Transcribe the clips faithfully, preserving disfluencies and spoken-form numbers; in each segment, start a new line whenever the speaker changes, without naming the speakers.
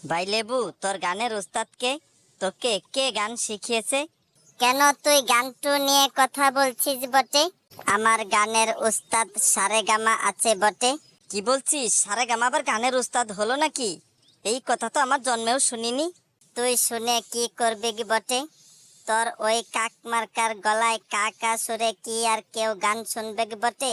ভাই লেবু, তোর গানের উস্তাদকে তোকে কে গান শিখিয়েছে?
কেন তুই গানটু নিয়ে কথা বলছিস বটে?
আমার গানের উস্তাদ সারেগামা আছে বটে। কি বলছিস? সারেগামা আবার গানের উস্তাদ হলো নাকি? এই কথা তো আমার জন্মেও শুনিনি।
তুই শুনে কি করবি কি বটে? তোর ওই কাক মার্কার গলায় কাকা সুরে কি আর কেউ গান শুনবে কি বটে?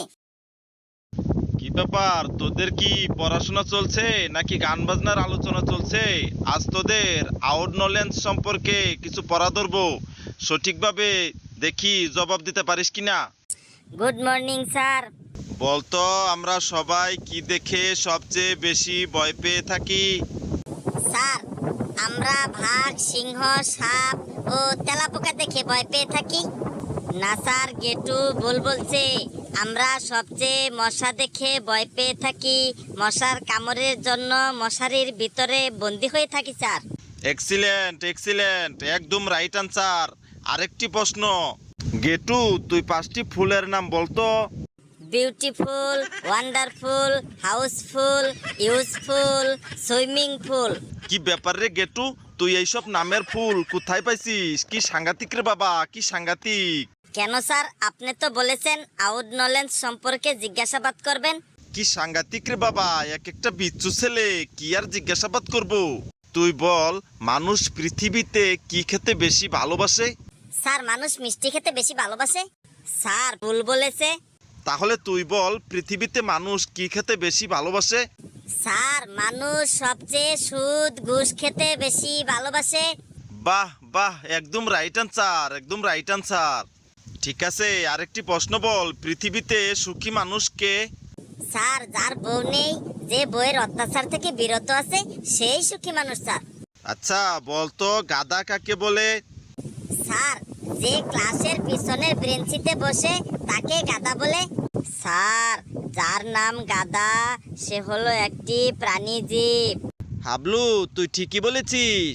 কি ব্যাপার, তোদের কি পড়াশোনা চলছে নাকি গান বাজনার আলোচনা চলছে? আজ তোদের আউট নলেজ সম্পর্কে কিছু পড়া ধরবো, সঠিকভাবে দেখি জবাব দিতে পারিস কিনা।
Good morning sir.
বলতো, আমরা সবাই কি দেখে সবচেয়ে বেশি ভয় পেয়ে থাকি?
স্যার, আমরা বাঘ, সিংহ, সাপ ও তেলাপোকা দেখে ভয় পেয়ে থাকি।
না স্যার, গেটু ভুল বলছে। আমরা সবচেয়ে মশা দেখে ভয় পেয়ে থাকি। মশার কামড়ের জন্য মশারির ভিতরে বন্দি হয়ে থাকি স্যার।
এক্সিলেন্ট এক্সিলেন্ট একদম রাইট আনসার। আরেকটি প্রশ্ন, গেটু তুই পাঁচটি ফুলের নাম বলতো।
Beautiful, wonderful, house full, useful, swimming pool.
কি ব্যাপার রে গেটু, তুই এইসব নামের ফুল কোথায় পাইছিস? কি সাংঘাতিক রে বাবা, কি সাংঘাতিক।
কেন স্যার, আপনি তো বলেছেন আউট নলেজ সম্পর্কে জিজ্ঞাসাবাদ করবেন।
কি সাংঘাতিক রে বাবা, এক একটা বিচ্ছু ছেলে, কি আর জিজ্ঞাসাবাদ করব। তুই বল, মানুষ পৃথিবীতে কি খেতে বেশি ভালোবাসে?
স্যার, মানুষ মিষ্টি খেতে বেশি ভালোবাসে।
স্যার ভুল বলেছে।
তাহলে তুই বল, পৃথিবীতে মানুষ কি খেতে বেশি ভালোবাসে?
স্যার, মানুষ সবচেয়ে সুদ ঘুষ খেতে বেশি ভালোবাসে।
বাহ বাহ, একদম রাইট আনসার, একদম রাইট আনসার। ঠিক আছে, আরেকটি প্রশ্ন বল, পৃথিবীতে সুখী মানুষ কে?
স্যার, যার বউ নেই, যে বউয়ের অত্যাচার থেকে বিরত আছে, সেই সুখী মানুষ স্যার।
আচ্ছা বলতো, গাধা কাকে বলে?
স্যার, যে ক্লাসের পিছনের বেঞ্চিতে বসে তাকে গাধা বলে।
স্যার, যার নাম গাধা সে হলো একটি প্রাণীজীব।
হাবলু, তুই ঠিকই বলেছিস।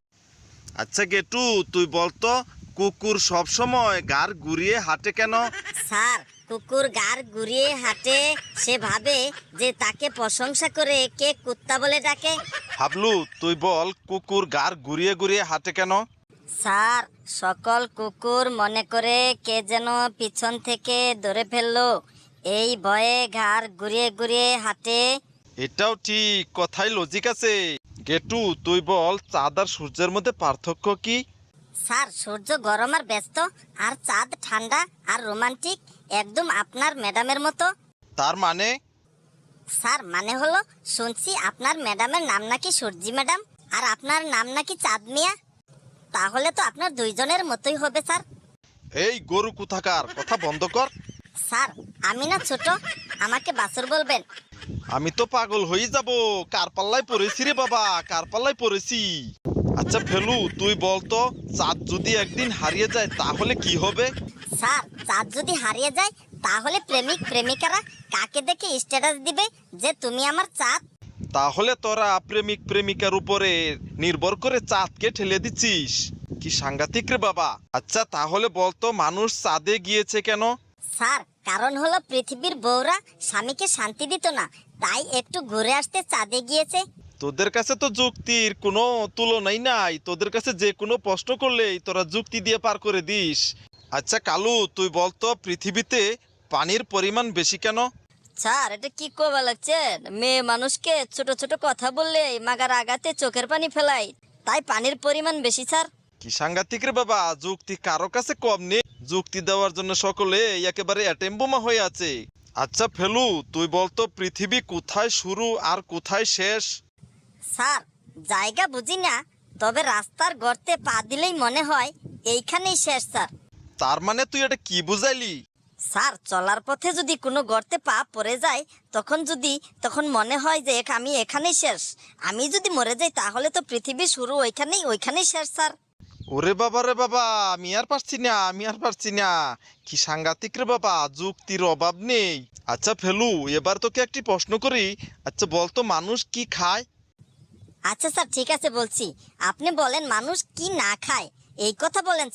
আচ্ছা গেটু, তুই বলতো, কুকুর সব সময় গাড় ঘুরিয়ে হাঁটে কেন?
স্যার, কুকুর গাড় ঘুরিয়ে হাঁটে, সে ভাবে যে তাকে প্রশংসা করে কে কুত্তা বলে ডাকে।
হাবলু, তুই বল, কুকুর গাড় ঘুরিয়ে ঘুরিয়ে হাঁটে কেন?
স্যার, সকল কুকুর মনে করে কে যেন পিছন থেকে ধরে ফেললো, এই ভয়ে ঘাড় ঘুরিয়ে ঘুরিয়ে হাঁটে।
এটাও ঠিক, কথাই লজিক আছে। গেটু, তুই বল, চাঁদ আর সূর্যের মধ্যে পার্থক্য কি?
স্যার, সূর্য গরম আর ব্যস্ত, আর চাঁদ ঠান্ডা আর রোমান্টিক, একদম আপনার ম্যাডামের মতো।
তার মানে?
স্যার, মানে হলো, শুনছি আপনার ম্যাডামের নাম নাকি সূর্যি ম্যাডাম, আর আপনার নাম নাকি চাঁদ মিয়া। তাহলে তো আপনার দুইজনের মতোই হবে স্যার।
এই গরু কোথাকার, কথা বন্ধ কর।
স্যার, আমি না ছোট, আমাকে বাছুর বলবেন।
আমি তো পাগল হয়ে যাব, কার পাল্লায় পড়েছি রে বাবা, কার পাল্লায় পড়েছি। আচ্ছা ফেলু, তুই বলতো, চাঁদ যদি একদিন হারিয়ে যায় তাহলে কি হবে?
স্যার, চাঁদ যদি হারিয়ে যায় তাহলে প্রেমিক প্রেমিকারা কাকে দেখে স্ট্যাটাস দিবে যে তুমি আমার চাঁদ?
তাহলে তোরা প্রেমিক প্রেমিকার উপরে নির্ভর করে চাঁদকে ঠেলে দিচ্ছিস। কি সাংঘাতিক রে বাবা। আচ্ছা তাহলে বলতো, মানুষ চাঁদে গিয়েছে কেন?
স্যার, কারণ হলো পৃথিবীর বউরা স্বামীকে শান্তি দিত না, তাই একটু ঘুরে আসতে চাঁদে গিয়েছে।
তোদের কাছে তো যুক্তির কোনো তুলনাই নাই, তোদের কাছে যে কোনো প্রশ্ন করলেই তোরা যুক্তি দিয়ে পার করে দিস। আচ্ছা কালু, তুই বলতো, পৃথিবীতে পানির পরিমাণ বেশি কেন?
স্যার, এটা কি করবা লাগছেন? মেয়ে মানুষকে ছোট ছোট কথা বললে মাগার আগাতে চোখের পানি ফেলাই, তাই পানির পরিমাণ বেশি স্যার।
কি সাংঘাতিক রে বাবা, যুক্তি কারো কাছে কম নেই, যুক্তি দেওয়ার জন্য সকলে একেবারে অ্যাটেম বোমা হয়ে আছে। আচ্ছা ফেলু, তুই বলতো, পৃথিবী কোথায় শুরু আর কোথায় শেষ?
স্যার, জায়গা বুঝি না, তবে রাস্তার গর্তে পা দিলেই মনে হয় এইখানেই শেষ স্যার।
তার মানে তুই এটা কি বুঝাইলি?
স্যার, চলার পথে যদি কোনো গর্তে পা পড়ে যায়, তখন যদি তখন মনে হয় যে এখ- আমি এখানেই শেষ। আমি যদি মরে যাই তাহলে তো পৃথিবী শুরু ওইখানেই, ওইখানেই শেষ স্যার।
ওরে বাবা রে বাবা, আমি আর পারছি না, আমি আর পারছি না। কি সাংঘাতিক রে বাবা, যুক্তির অভাব নেই। আচ্ছা ফেলু, এবার তোকে একটি প্রশ্ন করি। আচ্ছা বলতো, মানুষ কি খায়?
আচ্ছা স্যার, ঠিক আছে বলছি। আপনি বলেন মানুষ কি না খায়, এই কথা বলেন স্যার।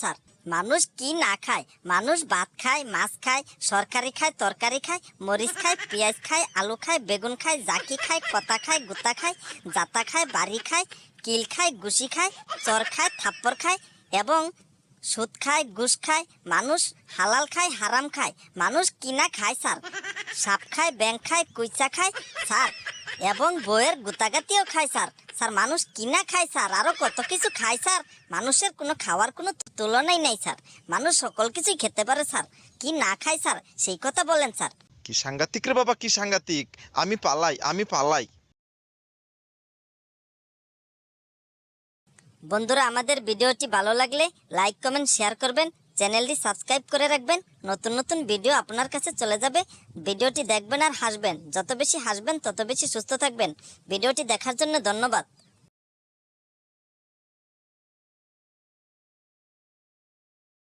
মানুষ কি না খায়? মানুষ ভাত খায়, মাছ খায়, সরকারি খায়, তরকারি খায়, মরিচ খায়, পেঁয়াজ খায়, আলু খায়, বেগুন খায়, জাকি খায়, কতা খায়, গুতা খায়, জাতা খায়, বাড়ি খায়, কিল খায়, গুছি খায়, চর খায়, থাপ্পড় খায় এবং সুদ খায়, ঘুষ খায়। মানুষ হালাল খায়, হারাম খায়। মানুষ কিনা খায় স্যার, সাপ খায়, ব্যাং খায়, কুইচা খায় স্যার এবং বইয়ের গুতাগাতিও খায় স্যার। স্যার মানুষ কিনা খায় স্যার, আরো কত কিছু খায় স্যার। মানুষের কোনো খাওয়ার কোনো তুলনাই নাই স্যার। মানুষ সকল কিছুই খেতে পারে স্যার, কি না খায় স্যার সেই কথা বলেন স্যার।
কি সাংঘাতিক রে বাবা, কি সাংঘাতিক! আমি পালাই, আমি পালাই।
বন্ধুরা, আমাদের ভিডিওটি ভালো লাগলে লাইক কমেন্ট শেয়ার করবেন, চ্যানেলটি সাবস্ক্রাইব করে রাখবেন। নতুন নতুন ভিডিও আপনার কাছে চলে যাবে। ভিডিওটি দেখবেন আর হাসবেন। যত বেশি হাসবেন তত বেশি সুস্থ থাকবেন। ভিডিওটি দেখার জন্য ধন্যবাদ।